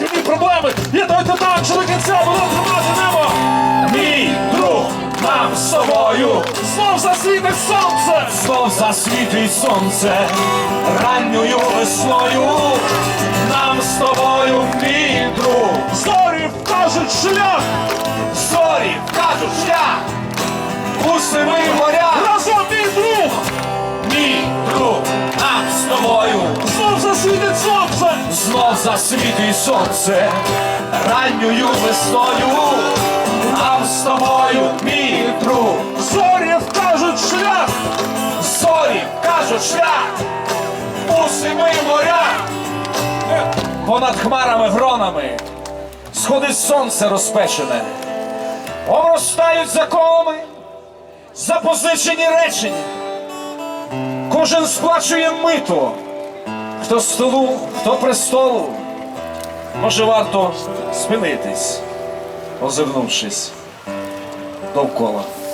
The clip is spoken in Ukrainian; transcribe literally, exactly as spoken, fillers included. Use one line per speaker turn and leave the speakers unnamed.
шкільні проблеми. Є той титан, що до кінця було тримати небо. Мій друг, нам з тобою знов засвітить сонце. Знов засвітить сонце ранньою весною. Нам з тобою, мій друг. Зорі вкажуть шлях. Зорі вкажуть шлях. У семи морях. Разом, мій друг. Мій друг, нам з тобою знов засвітить сонце. Знов засвітить сонце ранньою весною. Нам з тобою, мій друг. Зорі вкажуть шлях. Зорі вкажуть шлях. У семи морях. Понад хмарами гронами сходить сонце розпечене. Обростають законами запозичені речення. Кожен сплачує мито. Хто столу, хто престолу. Може, варто спинитись, озирнувшись довкола.